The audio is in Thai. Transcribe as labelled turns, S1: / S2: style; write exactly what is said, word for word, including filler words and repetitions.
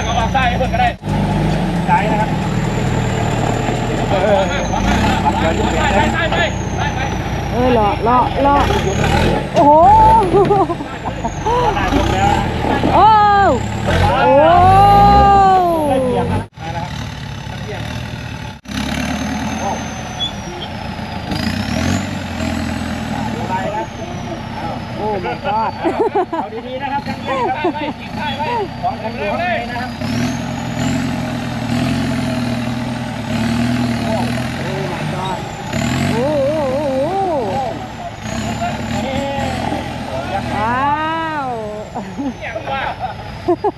S1: เอาวางใต้เพื่อนก็ได้ใต้นะครับเออใต้ใต้ไปใต้ไป
S2: เออเลาะเลาะเลาะโอ้โหโอ้โอ้โอ้ my god
S1: เอาดีๆนะครับใต้ไปใต้ไปของแข็งแรงเลยนะครับ
S2: โอ้ my god โอ้โอ้โอ้ว้าว